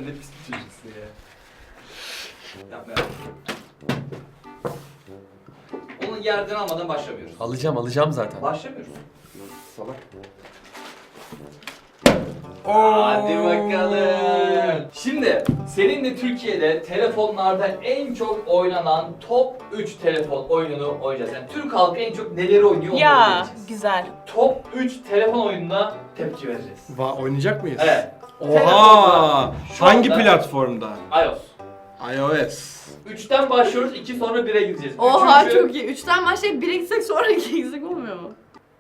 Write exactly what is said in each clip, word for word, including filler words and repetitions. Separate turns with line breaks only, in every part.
Sen ne pis bir çocuksun ya. Yapma ya. Onu yerden almadan başlamıyoruz.
Alacağım alacağım zaten.
Başlamıyoruz.
Salak.
Hadi bakalım. Şimdi seninle Türkiye'de telefonlarda en çok oynanan top üç telefon oyununu oynayacağız. Yani Türk halkı en çok neleri oynuyor onları
Ya
bileceğiz.
güzel.
Top üç telefon oyununa tepki vereceğiz.
Va oynayacak mıyız?
Evet.
Oha!
Şu
Hangi
anda-
platformda?
iOS.
iOS.
üçten başlıyoruz, iki sonra bire gideceğiz.
Oha
Üçüncü-
çok iyi. Üçten başlayıp bire gitsek sonra ikiye gitsek olmuyor mu?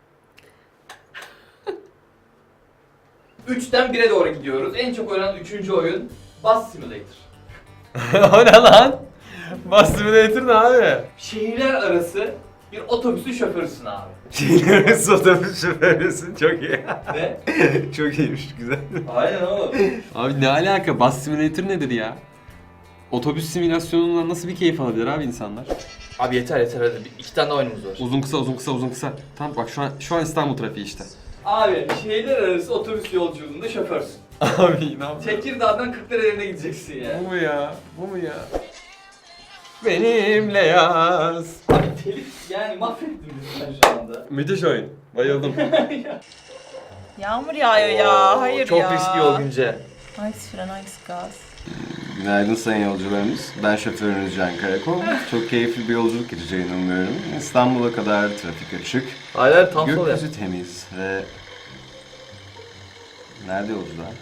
Üçten bire doğru gidiyoruz. En çok oynanan üçüncü oyun Bus Simulator.
O ne lan? Bus Simulator ne abi?
Şehirler arası bir otobüsün şoförüsün abi.
Şehirler otobüs şoförüsün çok iyi.
Ne?
Çok iyiymiş güzel.
Aynen oğlum.
Abi ne alaka? Bus Simulator nedir ya? Otobüs simülasyonundan nasıl bir keyif alabilir abi insanlar?
Abi yeter yeter hadi. İki tane oyunumuz var.
Uzun kısa uzun kısa uzun kısa. Tamam bak şu an şu an İstanbul trafiği işte.
Abi şehirler arası otobüs yolculuğunda şoförsün.
Abi ne yapıyorsun?
Tekirdağ'dan Kırklareli'ne gideceksin ya.
Bu mu ya? Bu mu ya? Benimle yaz.
Abi telif yani mahvettin bizi sen şu anda.
Müthiş oyun. Bayıldım.
Yağmur yağıyor ya. Hayır
Çok
ya.
riskli yol Günce.
Nice fren, nice gaz.
Günaydın sayın yolcularımız. Ben şoförünüz Can Karakol. Çok keyifli bir yolculuk geçeceğini umuyorum. İstanbul'a kadar trafik açık.
Hayır tam sol yap.
Gökyüzü temiz ve... Nerede yolcular?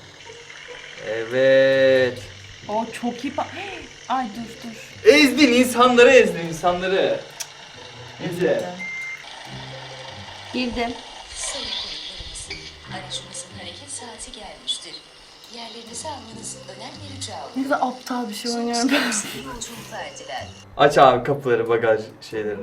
Evet.
O çok iyi. Ba- Ay dur dur.
Ezdin insanları ezdin insanları. Günce.
Girdim.
Sayın konuklarımız, aracımızın hareket saati gelmiştir. Yerlerinizi almanızı önem rica
Ne kadar aptal bir şey oynuyorum ben.
Yolculuklar diler.
Aç abi kapıları bagaj şeylerini.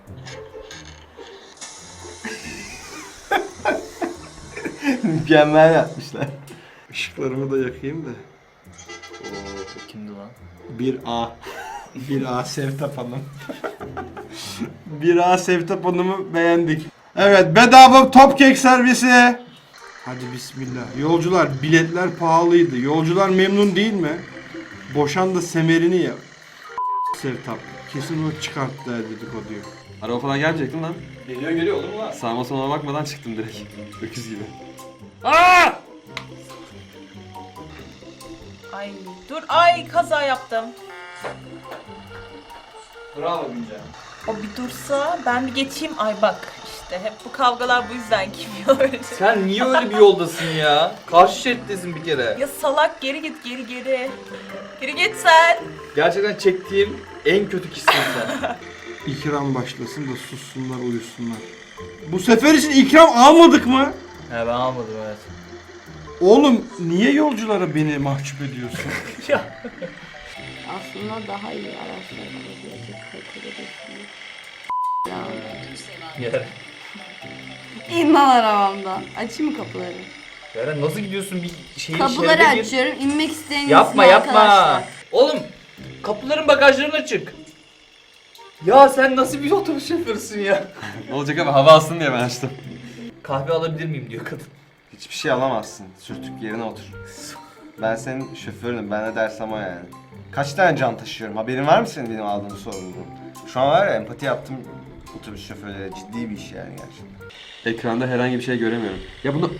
Mükemmel yapmışlar.
Işıklarımı da yakayım da.
Oo kimdi lan?
bir A. bir A Sevtap Hanım. bir A Sevtap Hanım'ı beğendik. Evet, bedava Topkek servisi. Hadi bismillah. Yolcular, biletler pahalıydı. Yolcular memnun değil mi? Boşan da semerini ya. Sevtap. Kesin o çıkarttı der dedikoduyu.
Araba falan gelmeyecek değil mi lan?
Geliyor geliyor olur mu lan?
Sağıma soluma bakmadan çıktım direkt. Öküz gibi.
Ay dur. Ay kaza yaptım.
Bravo Günce.
O bir dursa ben bir geçeyim. Ay bak işte hep bu kavgalar bu yüzden kim öyle.
Sen niye öyle bir yoldasın ya? Karşı şerittesin bir kere.
Ya salak geri git geri geri. Geri git sen.
Gerçekten çektiğim en kötü kişisin sen.
İkram başlasın da sussunlar, uyusunlar. Bu sefer için ikram almadık mı?
He ben almadım evet.
Oğlum niye yolculara beni mahcup ediyorsun?
Aslında daha iyi araçlar alabilecek kalitede bir
Yaren.
İn lan arabamdan. Açayım mı kapıları?
Yaren nasıl gidiyorsun bir şeyin
Kapıları
şeride gir.
açıyorum. İnmek isteyen
Yapma
insin
yapma.
arkadaşlar.
Oğlum kapıların bagajların açık. Ya sen nasıl bir otobüs şoförüsün ya?
Ne olacak abi hava alsın diye ben açtım.
Kahve alabilir miyim diyor kadın.
Hiçbir şey alamazsın. Sürtük yerine otur. Ben senin şoförünüm. Ben ne dersem o yani. Kaç tane can taşıyorum? Haberin var mı senin benim aldığım sorumluluğum? Şu an var ya empati yaptım otobüs şoförlere. Ciddi bir iş yani gerçekten.
Ekranda herhangi bir şey göremiyorum. Ya bunu...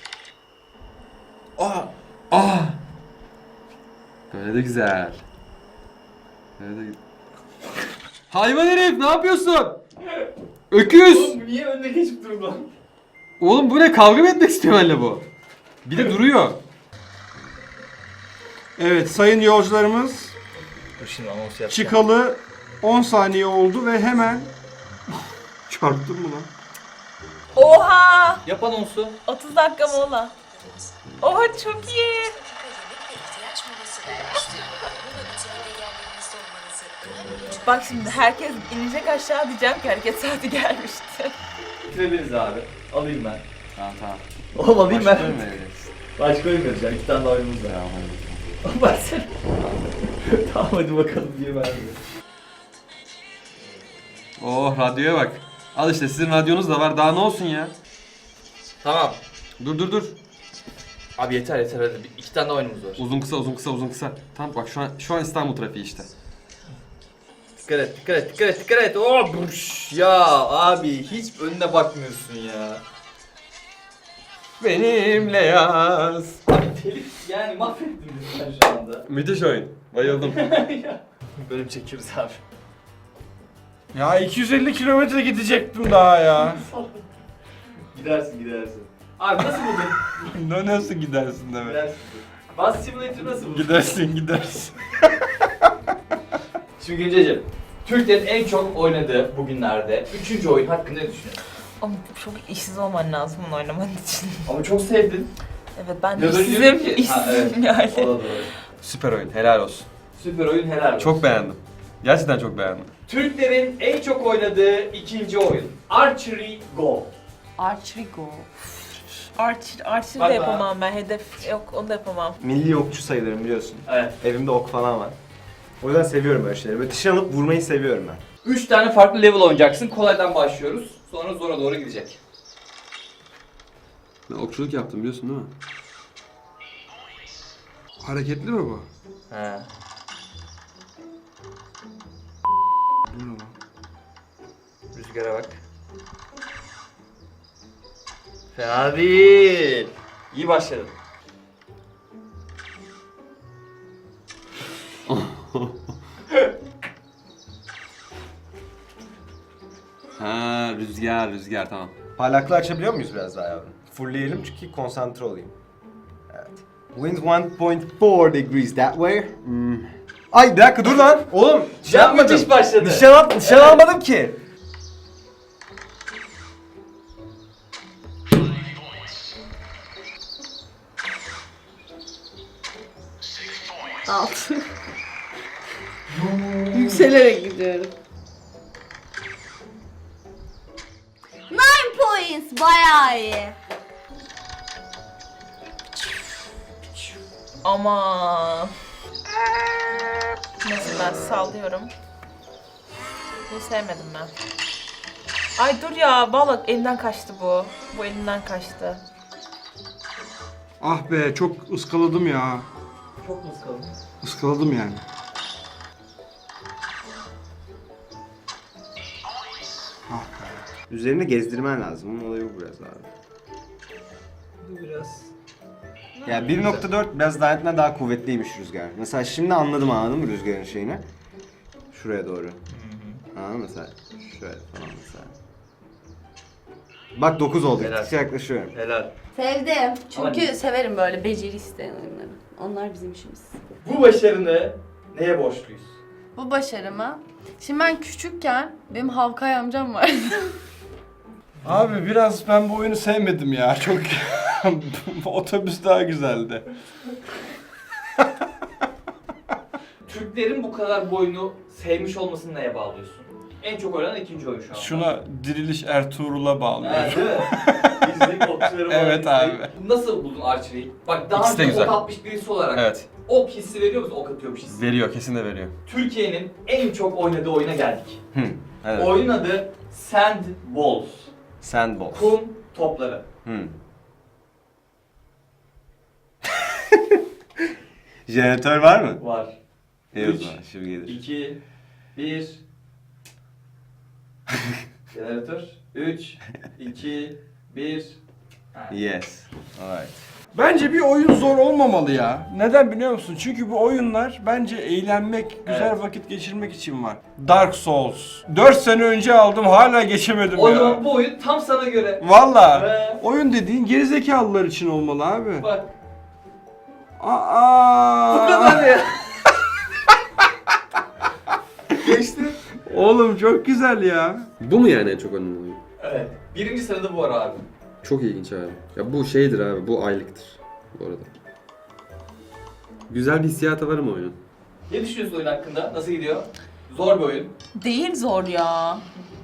Aa! Aa! Böyle de güzel. Böyle de... Hayvan herif ne yapıyorsun? Öküz!
Oğlum niye önüne geçip durdun lan?
Oğlum bu ne? Kavga mı etmek istiyor benimle bu? Bir de duruyor.
Evet sayın yolcularımız,
Dur şimdi anons yapacağım.
çıkalı on saniye oldu ve hemen... Çarptın mı lan?
Oha!
Yap anonsu.
otuz dakika mola. Oha çok iyi.
Dakika yemek ve ihtiyaç molası vermiştir. Mola bitiminde yerlerinizde olmanızı önem rica
Bak şimdi herkes inecek aşağı diyeceğim ki hareket saati gelmişti.
Bitirebiliriz abi. Alayım ben.
Tamam tamam.
Oğlum alayım
Başka
ben.
mı vereceksin?
Başka oyun vereceğim. İki tane daha oyunumuz var.
Tamam hadi.
Bak sen. Tamam hadi bakalım diye verdi.
Oh radyoya bak. Al işte sizin radyonuz da var daha ne olsun ya.
Tamam.
Dur dur dur.
Abi yeter yeter hadi. Bir- İki tane daha oyunumuz var.
Uzun kısa uzun kısa uzun kısa. Tamam bak şu an şu an İstanbul trafiği işte.
Dikkat et, dikkat et, dikkat et, dikkat et. Oh, buş. Ya abi hiç önüne bakmıyorsun ya.
Benimle yaz.
Abi telif yani mahvettin bizi sen şu anda.
Müthiş oyun. Bayıldım.
Bölüm çekiyoruz abi.
Ya iki yüz elli kilometre gidecektim daha ya.
Gidersin gidersin. Abi nasıl buldun?
Ne nasıl gidersin demek?
Gidersin. Bus Simulator nasıl buldun?
Gidersin gidersin.
Şimdi Günceciğim, Türklerin en çok oynadığı bugünlerde üçüncü oyun hakkında ne düşünüyorsun?
Ama çok işsiz olman lazım bunu oynaman için.
Ama çok sevdin.
Evet ben de
Biraz önce
işsizim,
dedim ki- Ha,
işsizim
evet. O da
yani.
doğru.
Süper oyun. Helal olsun.
Süper oyun helal olsun.
Çok beğendim. Gerçekten çok beğendim.
Türklerin en çok oynadığı ikinci oyun. Archery Go.
Archery Go.
Archer, archer
Bak
de
ben-
yapamam ben. Hedef yok, onu da yapamam.
Milli okçu sayılırım biliyorsun.
Evet.
Evimde ok falan var. O yüzden seviyorum böyle şeyleri. Böyle dışarı alıp vurmayı seviyorum ben.
Üç tane farklı level oynayacaksın. Kolaydan başlıyoruz. Sonra zora doğru gidecek.
Ben okçuluk yaptım biliyorsun değil mi?
Hareketli mi bu?
He.
Bu ne lan?
Rüzgara bak. Fena değil. İyi başladın.
Ha rüzgar rüzgar tamam.
Parlaklığı açabiliyor muyuz biraz daha yavrum? Fullleyelim çünkü konsantre olayım. Evet. Wind one point four degrees that way. Hmm. Ay bir dakika dur lan. Oğlum şey
Ya
yapmadım.
müthiş başladı.
Nişan, al, nişan almadım ki.
Altı. Yükselerek gidiyorum. Nine points bayağı iyi.
Ama neyse ben sallıyorum. Bunu sevmedim ben. Ay dur ya, vallahi elimden kaçtı bu. Bu elimden kaçtı.
Ah be çok ıskaladım ya.
Çok mu sıkıldın?
Iskaladım yani. Ah be.
Üzerine gezdirmen lazım. Bunun olayı bu biraz abi.
Bu biraz...
Ya bir nokta dört biraz daha daha kuvvetliymiş rüzgar. Mesela şimdi anladım anladın mı rüzgarın şeyini? Şuraya doğru. Anladın mı mesela? Şöyle falan mesela. Bak dokuz oldu.
Helal.
Gittikçe yaklaşıyorum.
Helal.
Sevdim. Çünkü
Ama-
severim böyle beceri isteyen oyunları. Onlar bizim işimiz.
Bu başarını neye borçluyuz?
Bu başarıma. Şimdi ben küçükken benim Havkay amcam vardı.
Abi biraz ben bu oyunu sevmedim ya. Çok otobüs daha güzeldi.
Türklerin bu kadar bu oyunu sevmiş olmasını neye bağlıyorsun? En çok oynanan ikinci oyun şu an.
Şuna Diriliş Ertuğrul'a bağlıyorum.
Evet, değil mi? Bizim okçularım
Evet abi.
Nasıl buldun Archery'i? Bak daha
İkisi de
önce
güzel.
ok atmış birisi olarak
Evet.
ok hissi veriyor musun? Ok atıyormuş hissi.
Veriyor kesin de veriyor.
Türkiye'nin en çok oynadığı oyuna geldik.
Hı. Evet.
Oyunun adı Sandballs.
Sandball.
Kum topları.
Hı. Jeneratör var mı?
Var.
İyi o
Üç.
zaman şimdi gelir.
iki, bir. Jeneratör. üç, iki, bir.
Yes. Alright.
Bence bir oyun zor olmamalı ya. Neden biliyor musun? Çünkü bu oyunlar bence eğlenmek, güzel
Evet.
vakit geçirmek için var. Dark Souls. dört sene önce aldım hala geçemedim
O
ya.
zaman bu oyun tam sana göre.
Valla.
Ve
Oyun dediğin gerizekalılar için olmalı abi.
bak
Aa.
bu kadar ya. Geçti.
Oğlum çok güzel ya.
Bu mu yani en çok oynanan oyun?
Evet. Birinci sırada bu var abi.
Çok ilginç abi. Ya bu şeydir abi, bu aylıktır bu arada. Güzel bir hissiyatı var ama oyunun.
Ne düşünüyorsun oyun hakkında? Nasıl gidiyor? Zor bir oyun.
Değil zor ya.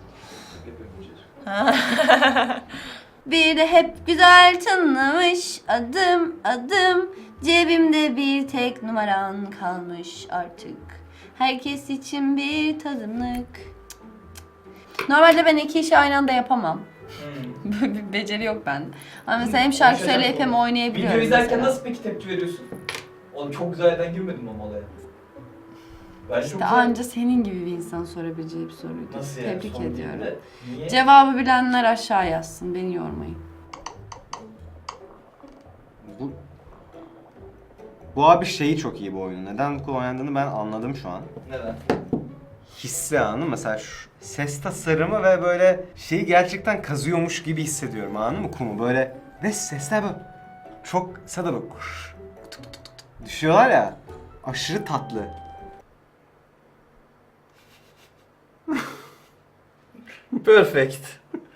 Bir de hep güzel tınlamış adım adım. Cebimde bir tek numaran kalmış artık. Herkes için bir tadımlık. Normalde ben iki işi aynı anda yapamam.
Hmm.
Bir beceri yok bende. Ama mesela hem şarkı
Konuşacak
söyleyip hem
mı?
oynayabiliyorum.
Video izlerken
mesela.
nasıl peki tepki veriyorsun? Oğlum çok güzel yerden girmedim ama olaya. Ben çok
İşte
güzel...
anca senin gibi bir insan sorabileceği bir soruydu.
Nasıl yani?
Tebrik
Son
ediyorum.
değil de. Niye?
Cevabı bilenler aşağı yazsın. Beni yormayın.
Bu Bu abi şeyi çok iyi bu oyunun. Neden bu kadar oynandığını ben anladım şu an.
Neden?
Hissi anladın mı? Mesela şu ses tasarımı ve böyle şeyi gerçekten kazıyormuş gibi hissediyorum anladın mı kumu böyle. Ve sesler böyle çok sada böyle kuş, tık tık tık tık düşüyorlar ya. Aşırı tatlı.
Perfect.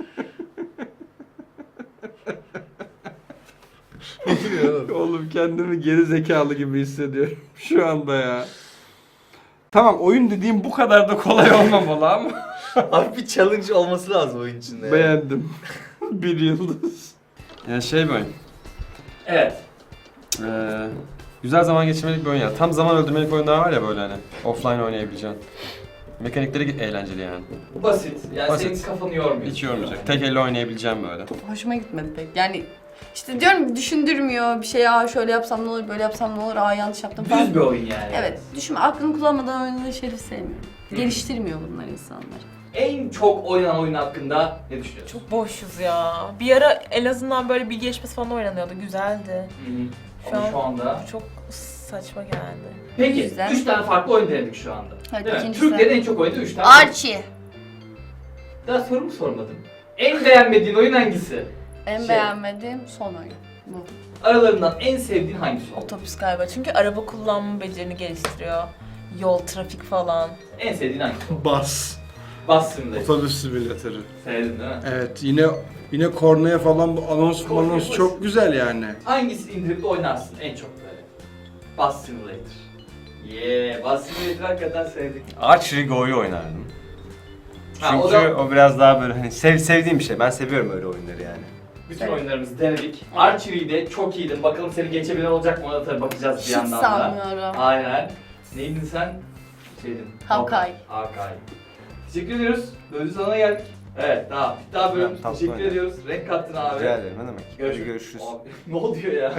Oğlum kendimi geri zekalı gibi hissediyorum şu anda ya. Tamam oyun dediğim bu kadar da kolay olmamalı ama
Abi bir challenge olması lazım oyun içinde.
beğendim. Bir yıldız.
Yani şey bir oyun.
Evet.
Ee, güzel zaman geçirmelik bir oyun ya. Tam zaman öldürmelik oyunlar var ya böyle hani. Offline oynayabileceğin. Mekanikleri eğlenceli yani.
Basit. Yani
Basit.
senin kafanı yormuyor.
Hiç yormayacak. Tek elle oynayabileceğim böyle.
Hoşuma gitmedi pek. Yani işte diyorum düşündürmüyor bir şey. Aa şöyle yapsam ne olur, böyle yapsam ne olur, aa yanlış yaptım falan.
Düz bir oyun yani.
Evet. Düşünme, aklını kullanmadan oynadığı şeyleri sevmiyorum. Geliştirmiyor bunlar insanlar.
En çok oynanan oyun hakkında ne düşünüyorsun?
Çok boşuz ya. Bir ara en azından böyle bilgi yarışması falan oynanıyordu. Güzeldi.
Hı hı.
Şu
Ama
an-
şu anda...
Çok saçma geldi.
Peki,
Güzel.
üç tane farklı oyun denedik şu anda.
Evet,
Değil mi?
ikincisi.
Türklerin en çok oynadığı üç tane.
Archie.
Daha soru mu sormadım? En beğenmediğin oyun hangisi?
En
Şey.
beğenmediğim son oyun. Bu.
Aralarından en sevdiğin hangisi oldu?
Otobüs galiba. Çünkü araba kullanma becerini geliştiriyor. Yol, trafik falan.
En sevdiğin hangisi oldu?
Bas.
Bas Simulator.
Otobüs simülatörü.
Sevdin değil mi?
Evet yine yine kornaya falan bu anons
Kornaya
anons
bas.
çok güzel yani.
Hangisi indirip de oynarsın en çok böyle? Bus Simulator. Yeah, Bus Simulator hakikaten sevdik.
Archery Go'yu oynardım.
Ha,
Çünkü
o
o,
da-
biraz daha böyle hani sev, sevdiğim bir şey. Ben seviyorum öyle oyunları yani.
Bütün
Evet.
oyunlarımızı denedik. Archery'de çok iyiydin. Bakalım seni geçebilen olacak mı? Ona tabii bakacağız bir
Hiç
yandan da.
sanmıyorum.
Aynen. Neydin sen? Şeydin.
Hawkeye.
Hawkeye. Teşekkür ediyoruz. Bölümün sonuna geldik. Evet, daha. Bir daha bölüm.
Ya, tatlı
Teşekkür
oyun.
ediyoruz. Renk kattın abi.
Rica ederim ne demek.
Görüşürüz.
Görüşürüz.
Abi, ne oluyor ya?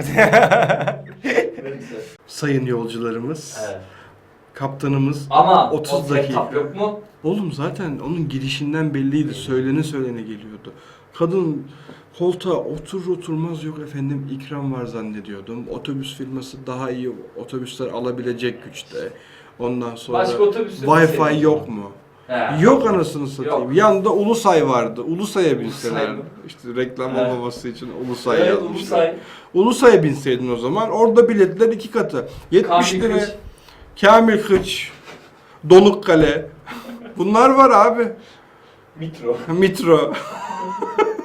Neyse.
Sayın yolcularımız,
Evet.
kaptanımız.
Ama
otuz
o
dakika.
setup yok mu?
Oğlum zaten onun girişinden belliydi. Söylene söylene geliyordu. Kadın koltuğa otur oturmaz yok efendim ikram var zannediyordum. Otobüs firması daha iyi otobüsler alabilecek güçte. Ondan sonra
Başka otobüsü mü
Wi-Fi
seviyorsun?
yok mu?
He.
Yok anasını satayım.
Yok.
Yanında Ulusay vardı. Ulusay'a
Ulusay
binseler.
mı?
İşte reklam
Evet.
olmaması için Ulusay
Evet,
yazmışlar.
Ulusay.
Ulusay'a binseydin o zaman. Orada biletler iki katı. yetmiş
Kamil
lira.
Kılıç.
Kamil Kıç. Donukkale. Bunlar var abi.
Mitro.
Mitro.